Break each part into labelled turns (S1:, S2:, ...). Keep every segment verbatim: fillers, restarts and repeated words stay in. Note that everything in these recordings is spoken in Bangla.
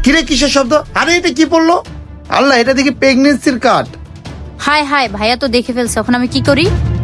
S1: কিরে কিসের শব্দ? আরে এটা কি পড়লো? আল্লাহ, এটা দেখি প্রেগনেন্সির কার্ড।
S2: হাই হাই, ভাইয়া তো দেখে ফেলছে, এখন আমি কি করি?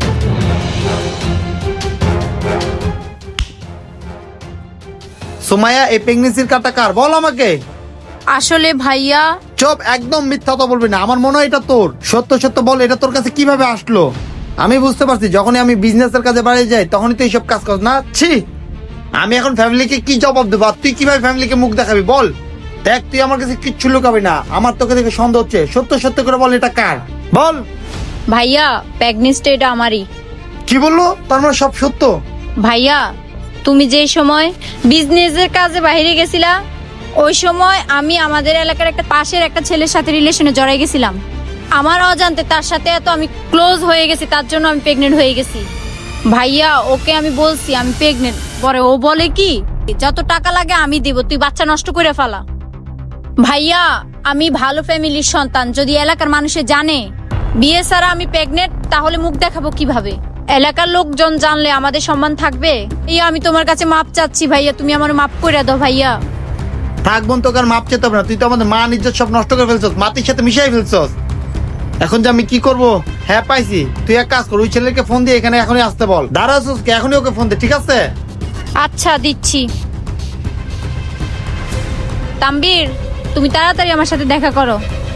S1: সোমায়া, এই প্রেগনেন্সির কার্ডটা কার? বল আমাকে।
S2: আসলে ভাইয়া,
S1: চুপ, একদম মিথ্যা কথা বলবি না। আমার মনে হয় এটা তোর। সত্য সত্য বল, এটা তোর কাছে কিভাবে আসলো? আমি বুঝতে পারছি, যখনই আমি বিজনেসের কাজে বাড়ি যাই তখনই তুই এইসব কাজ কর না। ছি, আমি এখন ফ্যামিলিকে কি জবাব দেবো? আর তুই কিভাবে ফ্যামিলিকে মুখ দেখাবি বল? দেখ, তুই আমার কাছে কিচ্ছু লুকাবি না। আমার তোকে দেখে সন্দেহ হচ্ছে। সত্য সত্য করে বল, এটা কার? বল।
S2: ভাইয়া প্রেগনেন্সিটা এটা আমারই।
S1: কি বললো? তার মানে সব সত্য?
S2: ভাইয়া, তুমি যে সময় বিজনেসের কাজে বাইরে গেছিলা, ওই সময় আমি আমাদের এলাকার একটা পাশের একটা ছেলের সাথে রিলেশনে জড়াই গেছিলাম। আমার অজান্তে তার সাথে এত আমি ক্লোজ হয়ে গেছি, তার জন্য আমি প্রেগনেন্ট হয়ে গেছি। ভাইয়া, ওকে আমি বলছি আমি প্রেগনেন্ট, পরে ও বলে কি যত টাকা লাগে আমি দিব, তুই বাচ্চা নষ্ট করে ফেলা। ভাইয়া, আমি ভালো ফ্যামিলির সন্তান, যদি এলাকার মানুষে জানে বিয়ে ছাড়া আমি প্রেগনেন্ট, তাহলে মুখ দেখাবো কিভাবে? এলাকার লোকজন জানলে আমাদের সম্মান থাকবে? এই আমি তোমার কাছে মাপ চাচ্ছি ভাইয়া, তুমি আমার মাপ করে দাও ভাইয়া।
S1: থাক বোন, তোকে আর মাপ চেতে হবে না। তুই তো আমাদের মা নিজের সব নষ্ট করে ফেলছস, মাটির সাথে মিশাই ফেলছস। এখন যে আমি কি করব? হ্যাঁ পাইছি, তুই এক কাজ কর, ওই ছেলেকে ফোন দিয়ে এখানে এখনই আসতে বল। দাঁড়াছস কে? এখনই ওকে ফোন দে, ঠিক আছে?
S2: আচ্ছা, দিচ্ছি। তাম্বির, তুমি তাড়াতাড়ি আমার সাথে দেখা করো।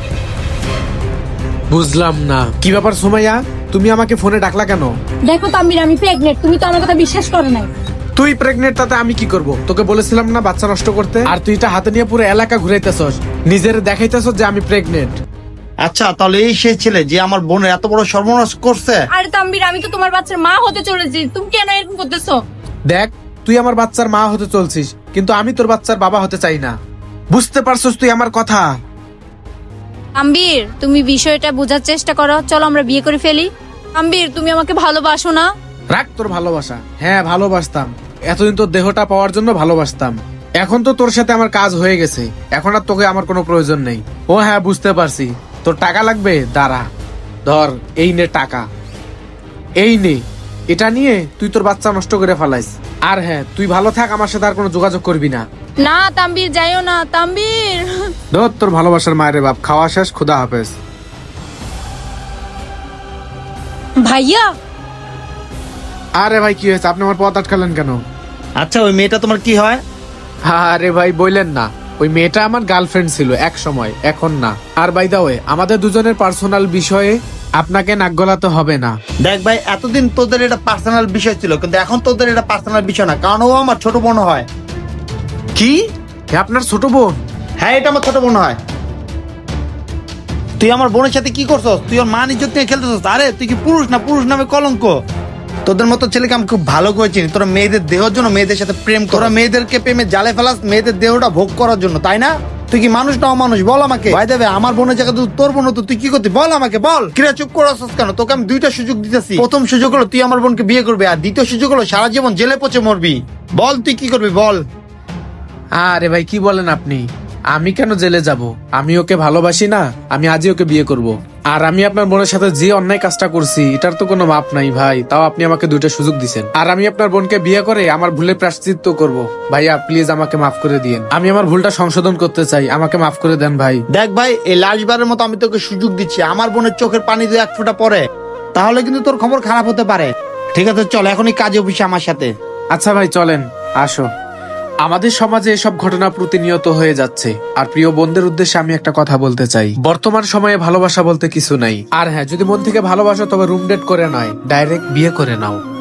S3: বুঝলাম না কি ব্যাপার সুমাইয়া, তুমি আমাকে ফোনে ডাকলা কেন?
S2: দেখো তাম্বির, আমি প্রেগনেন্ট, তুমি তো আমার কথা বিশ্বাস করো নাই।
S3: তুই প্রেগনেন্ট, তাতে আমি কি করব? তোকে বলেছিলাম না বাচ্চা নষ্ট করতে? আর তুই এটা হাতে নিয়ে পুরো এলাকা ঘুরাইতেছস, নিজের দেখাইতেছস যে আমি প্রেগনেন্ট।
S1: আচ্ছা, তাহলে এই সেই ছেলে যে আমার বোনের এত বড় সর্বনাশ করছে?
S2: আরে তাম্বির, আমি তো তোমার বাচ্চার মা হতে চলেছি, তুমি কেন এরকম করতেছো?
S3: দেখ, তুই আমার বাচ্চার মা হতে চলছিস, কিন্তু আমি তোর বাচ্চার বাবা হতে চাই না। বুঝতে পারছস তুই আমার কথা?
S2: তাম্বির, তুমি বিষয়টা বোঝার চেষ্টা করো, চলো আমরা বিয়ে করে ফেলি। তাম্বির, তুমি আমাকে ভালোবাসো না?
S3: রাখ তোর ভালোবাসা। হ্যাঁ, ভালোবাসতাম। এতদিন তোর দেহটা পাওয়ার জন্য ভালোবাসতাম। এখন তো তোর সাথে আমার কাজ হয়ে গেছে, এখন আর তোকে আমার কোনো প্রয়োজন নেই। ও হ্যাঁ, বুঝতে পারছি। তোর টাকা লাগবে? দাঁড়া, ধর, এই নে টাকা, এই নে। এটা নিয়ে তুই তোর বাচ্চা নষ্ট করে ফেলাইস। আর হ্যাঁ, তুই ভালো থাক, আমার সাথে আর কোনো যোগাযোগ করবি না।
S2: না তাম্বির, যাইও না তাম্বির।
S3: ধর তোর ভালোবাসার মায়ের বাপ। খাওয়া শেষ, খুদা হাফেজ।
S2: ভাইয়া,
S3: আরে ভাই, কি হয়েছে? আপনি আমার পথ আটকালেন কেন?
S1: আচ্ছা, ওই মেয়েটা তোমার কি হয়?
S3: আরে ভাই, বললেন না, ওই মেয়েটা আমার গার্লফ্রেন্ড ছিল এক সময়, এখন না। আর বাই দা ওয়ে, আমাদের দুজনের পার্সোনাল বিষয়ে আপনাকে নাক গলাতে হবে না।
S1: দেখ ভাই, এতদিন তোদের এটা পার্সোনাল বিষয় ছিল, কিন্তু এখন তোদের এটা পার্সোনাল বিষয় না, কারণ ও আমার ছোট বোন হয়।
S3: কি? হ্যাঁ, আপনার ছোট বোন?
S1: হ্যাঁ, এটা আমার ছোট বোন হয়। তুই আমার বোনের সাথে কি করছস? তুই ওর মান ইজ্জত নিয়ে খেলতেছস। আরে তুই কি পুরুষ না? পুরুষ নামে কলঙ্ক। তোদের মতো ছেলেকে আমি খুব ভালো করে চিনি। তোরা মেয়েদের দেহের জন্য মেয়েদের সাথে প্রেম কর। তোরা মেয়েদেরকে প্রেমে জালে ফেলাস, মেয়েদের দেহটা ভোগ করার জন্য, তাই না? তুই কি মানুষ না অমানুষ? বল আমাকে। ভাই দেবে, আমার বোনের জায়গায় তুই তোর বোন হতো, তুই কি করতি? বল আমাকে, বল। কিরা চুপ করছস কেন? তোকে আমি দুইটা সুযোগ দিতেছি। প্রথম সুযোগ হলো তুই আমার বোনকে বিয়ে করবি, আর দ্বিতীয় সুযোগ হলো সারা জীবন জেলে পচে মরবি। বল তুই কি করবি, বল।
S3: আরে ভাই, কি বলেন আপনি? আমি কেন জেলে যাব? আমি ওকে ভালোবাসি না? আমি আজই ওকে বিয়ে করব। আর আমি আপনার বোনের সাথে যে অন্যায় কাজটা করছি, এটার তো কোনো মাপ নাই ভাই। তাও আপনি আমাকে দুইটা সুযোগ দিছেন, আর আমি আপনার বোনকে বিয়ে করে আমার ভুলের প্রায়শ্চিত্ত করব। ভাইয়া প্লিজ আমাকে মাফ করে দিয়েন, আমি আমার ভুলটা সংশোধন করতে চাই, আমাকে মাফ করে দেন ভাই।
S1: দেখ ভাই, এই লাস্টবারের মতো আমি তোকে সুযোগ দিচ্ছি। আমার বোনের চোখের পানি দিয়ে এক ফোঁটা পড়ে, তাহলে কিন্তু তোর খবর খারাপ হতে পারে। ঠিক আছে, চল এখনই কাজে অফিসে আমার সাথে।
S3: আচ্ছা ভাই, চলেন, আসো। আমাদের সমাজে এসব ঘটনা প্রতিনিয়ত হয়ে যাচ্ছে, আর প্রিয় বোনদের উদ্দেশ্যে আমি একটা কথা বলতে চাই। বর্তমান সময়ে ভালোবাসা বলতে কিছু নাই। আর হ্যাঁ, যদি মন থেকে ভালোবাসো তবে রুম ডেট করে নয়, ডাইরেক্ট বিয়ে করে নাও।